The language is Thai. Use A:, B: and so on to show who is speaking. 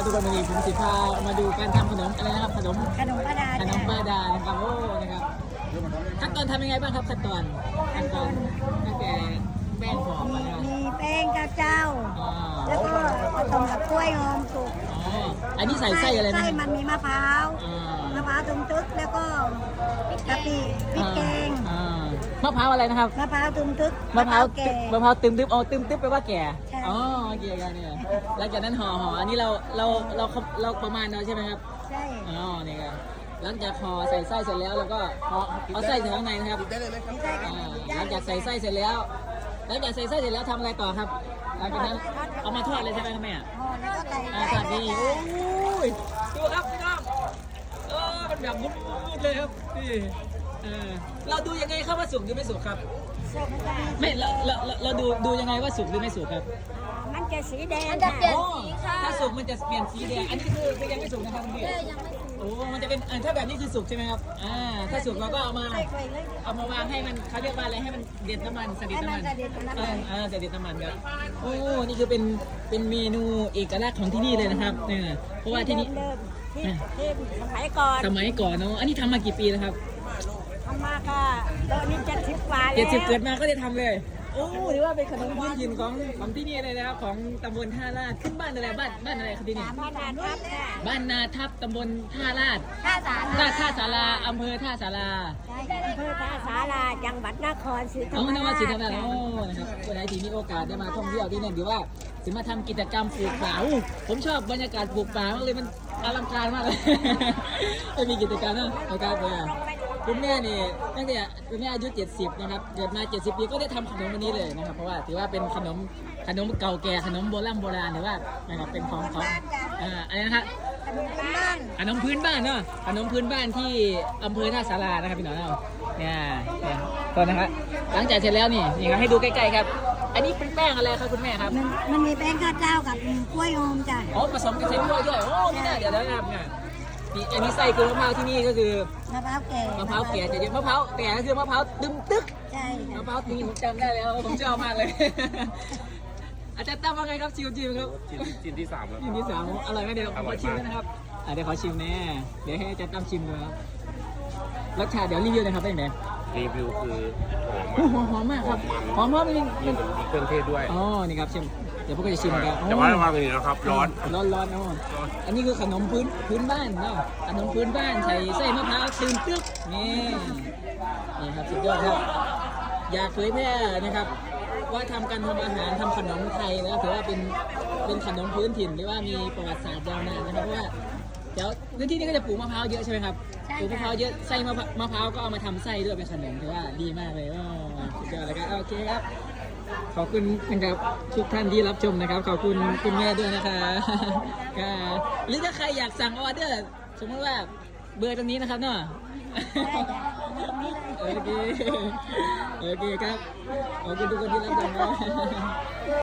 A: ทุกคนวันนี้ผมสิพามาดูการทำขนมอะไรนะครับขนม
B: ขนมป้าดา
A: ขนมป้าดานะครับโอ้นะครับขั้นตอนทำยังไงบ้างครับขั้นตอนตั้งแต่แป้งหอมนะครับ
B: มีแป้งข้าวเจ้า
A: อ๋อ
B: แล้วก็ผสมกับกล้วยหอมสุก
A: อ๋ออันนี้ใส่ไส้อะไรนะ
B: ไส้มันมีมะพร้าว
A: อ่าม
B: ะพร้าวตุ่มตึกแล้วก็กะปิพริกแกง
A: มะพร้าวอะไรนะครับ
B: มะพร้าวตุ่มตึก
A: มะพร้าว
B: แก่
A: มะพร้าวตึมตึบอ๋อตึมตึบแปลว่าแก่
B: ใช่
A: อ๋อแก่กันเนี่ยหลังจากนั้นห่ออันนี้เราประมาณเราใช่ไหมครับ
B: ใช่
A: อ๋อนี่ครับหลังจากห่อใส่ไส้เสร็จแล้วเราก็ห่อเอาไส้ใส่ข้างในนะครับ
B: ไม่ใช่กัน
A: หลังจากใส่ไส้เสร็จแล้วหลังจากใส่ไส้เสร็จแล้วทำอะไรต่อครับหลังจากนั้นเอามาทอดเลยใช่ไหมครับแม่
B: ห่อแล้วก็ใส่
A: ทอดนี่โอ้ยดูครับพี่น้องมันแบบมุดๆเลยครับนี่เราดูยังไงครับว่าสุกหรือไม่สุกครับ
B: ส้มตาล
A: ไม่เราดูยังไงว่าสุกหรือไม่สุกครับ
B: มันจะสีแดง
C: มันจะเปลี่ยน
A: อ๋อ
C: สีค่ะ
A: ถ้าสุกมันจะเปลี่ยนสีแดงอันนี้คือยังไม่สุกนะครับคุณพี่
C: ยังไม่สุก
A: โอ้มันจะเป็นถ้าแบบนี้คือสุกใช่ไหมครับถ้าสุกเราก็เอามา
B: ใส่ไปเลย
A: เอามาวางให้มันเขาเรียกว่าอะไรให้มันเด็ดน้ำมันเสด็จน้ำมัน
B: ให้มันเสด็จน้ำมัน
A: เสด็จน้ำมันครับโอ้นี่คือเป็นเมนูเอกลักษณ์ของที่นี่เลยนะครับเนี่ยเพราะว่าที่นี่
B: เริ่มที่สมัยก่อน
A: สมัยก่อนเนาะอันนี้ทำมากี่ปีแล้วครับ
B: ทำมาค่ะตอนนี้70 กว่าแล้ว
A: 70เกิดมาก็ได้ทำเลยโอ้ถือว่าเป็นขนมพื้นถิ่นของที่นี่เลยนะครับของตำบลท่าลาดขึ้นบ้านอะไรบ้านอะไรครับที่นี่
B: บ้านนาทับค่ะ
A: บ้านนาทับตำบลท่าลาด
B: ท่าสารา
A: ท่าสาราอำเภอท่าสารา
B: ใช่อำเภอท่าสาราจังหวัดนครศรีธรร
A: เอา
B: ม
A: นวั
B: รา
A: ด
B: ช
A: ศรีธรรมราชโอ้นะครับคนไหนที่มีโอกาสได้มาท่องเที่ยวที่นี่หรือว่าสิมาทำกิจกรรมปลูกป่าอู้ผมชอบบรรยากาศปลูกป่ามากเลยมันอลังการมากเลย ไม่มีกิจกรรมนะนะครับคุณแม่นี่ตั้งแต่คุณแม่อายุ70นะครับเกิดมา70ปีก็ได้ทำขนมวันนี้เลยนะครับเพราะว่าถือว่าเป็นขนมเก่าแก่ขนมโบราณหรือว่านะครับเป็นของอะไรนะครับ
B: ขนมบ้าน
A: ขนมพื้นบ้านเนาะขนมพื้นบ้านที่อำเภอท่าสารานะครับพี่น้องเราเนี่ยตอนนะครับหลังจากเสร็จแล้วนี่ครับให้ดูใกล้ๆครับ อันนี้เป็นแป้งอะไรครับคุณแม่ครับ
B: มันมีแป้งข้าวเจ้ากับกล้วยหอมจ้ะ
A: อ๋อผสมกันใส่กล้วยด้วยโอ้นี่น่าเดี๋ยวนะครับเนี่ยนี่อันนี้ใส่คือมะพร้าวที่นี่ก็คือ
B: มะพร้าวแก่
A: มะพร้าวแก่จะเรียกมะพร้าวแก่ก็คือมะพร้าวตึมตึก
B: ใช่
A: มะ
B: ค่ะ
A: พร้าวนี่ผมจำได้แล้วผมชอบมากเลย อาจารย์ตั้มว่าไงครับชิวๆครับ
D: ชิ้นที่ 3 แล้ว
A: ชิ้นที่ 3อร่อยไหมเดี๋ยวผมขอชิมด้วยนะครับเดี๋ยวขอชิมแน่เดี๋ยวให้อาจารย์ตั้มชิมดูครับรสชาติเดี๋ยวรีวิวนะครับเป็นไง
D: รีวิวคือหอม
A: หอมมากครับหอมเพราะมัน
D: มีเครื่องเทศด้วย
A: อ๋อนี่ครับชิมเดี๋ยวพวกเราจะชิมกัน
D: แต่ว่าระวังอย่างนี้นะครับ ร้อน
A: ร้อนอันนี้คือขนมพื้นบ้านเนาะขนมพื้นบ้านใส่ไส้มะพร้าวตื่นตึ๊กนี่ครับสุดยอดครับอยากเผยแพร่นะครับว่าทำการทำอาหารทำขนมไทยนะถือว่าเป็นขนมพื้นถิ่นหรือว่ามีประวัติศาสตร์ยาวนานนะครับเพราะว่าเดี๋ยวพื้นที่นี้ก็จะปลูกมะพร้าวเยอะใช่ไหมครับปลูกมะพร้าวเยอะไส้มะพร้าวก็เอามาทำไส้ด้วยเป็นขนมถือว่าดีมากเลยสุดยอดเลยครับโอเคครับขอบคุณนะครับทุกท่านที่รับชมนะครับขอบคุณคุณแม่ด้วยนะคะหรือถ้าใครอยากสั่งออเดอร์สมมติว่าเบอร์ตรงนี้นะครับเนาะโอเคครับขอบคุณทุกคนที่รับชมนะ